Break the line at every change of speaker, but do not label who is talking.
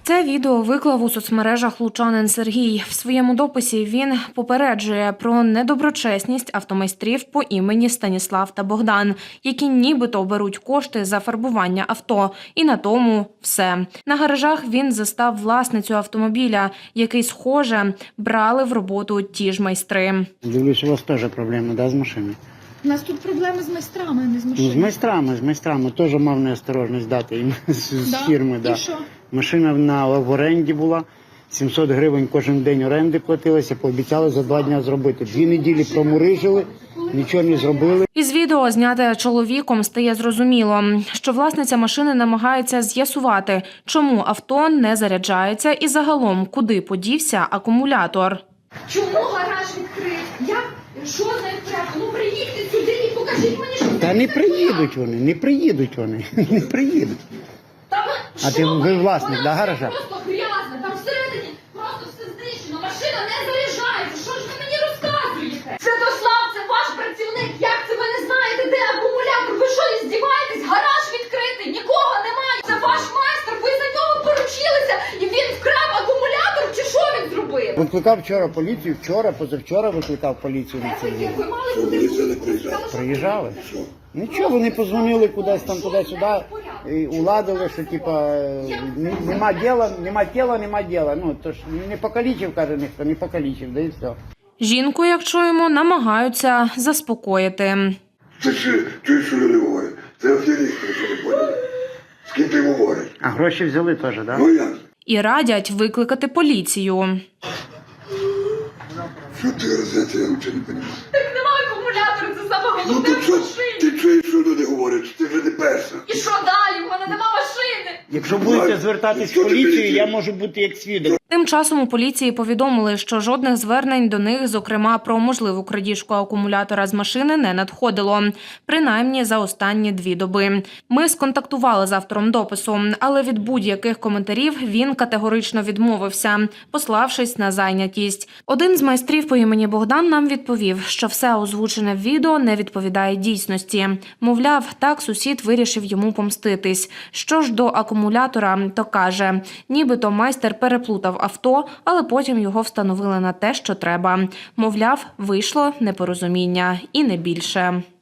Це відео виклав у соцмережах лучанин Сергій. В своєму дописі він попереджує про недоброчесність автомайстрів по імені Станіслав та Богдан, які нібито беруть кошти за фарбування авто. І на тому все. На гаражах він застав власницю автомобіля, який, схоже, брали в роботу ті ж майстри.
Дивлюсь, у вас теж проблеми, да, з машиною?
У нас тут проблеми з майстрами, а не з
Ну,
машинами.
з майстрами. Теж мав неосторожність дати їм з фірми. Да.
І що?
Машина в оренді була, 700 гривень кожен день оренди платилося, пообіцяли за 2 дні зробити. 2 неділі промурижили, нічого не зробили.
Із відео, зняте чоловіком, стає зрозуміло, що власниця машини намагається з'ясувати, чому авто не заряджається і загалом, куди подівся акумулятор.
Чому гараж відкрит? Що з ним треба? Ну приїдьте сюди і покажіть мені, що
Та не приїдуть вони, не приїдуть.
Там
А ти ви власник, да, гаража?
Просто грязно, там всередині просто все знищено, машина не заряджається. Що ж ви мені розказуєте? Святослав, це ваш працівник. Як це ви не знаєте, де акумулятор? Ви що, здіваєтесь? Гараж відкритий, нікого немає. Це ваш майстер, ви за нього поручилися і він вкрав акумулятор, чи що він зробив?
Викликав вчора поліцію, позавчора викликав поліцію на цей день.
Ви мали куди
Приїжджали. Нічого, вони позвонили кудись там туди-сюди, і уладили, що типа нема діла. Ну, то ж не покалічив, каже ніхто, не покалічив, да і все.
Жінку, як чуємо, намагаються заспокоїти.
Це що люди говорять? Це аферісти, що не поняли. З ким ти говориш?
А гроші взяли теж, так? Да?
Ну як?
І радять викликати поліцію.
Що ти розумієте, я взагалі не розумію.
Так немає акумулятора, це саме
Ну
головне
ти
в
що,
машині.
ти чуєш, що люди говорять? Ти вже не перша.
І що далі? У мене нема машини.
Якщо будете звертатись в поліцію, я можу бути як свідок.
Тим часом у поліції повідомили, що жодних звернень до них, зокрема про можливу крадіжку акумулятора з машини, не надходило. Принаймні за останні 2 доби. Ми сконтактували з автором допису, але від будь-яких коментарів він категорично відмовився, пославшись на зайнятість. Один з майстрів по імені Богдан нам відповів, що все озвучене в відео не відповідає дійсності. Мовляв, так сусід вирішив йому помститись. Що ж до акумулятора, то каже, нібито майстер переплутав авто, але потім його встановили на те, що треба. Мовляв, вийшло непорозуміння і не більше.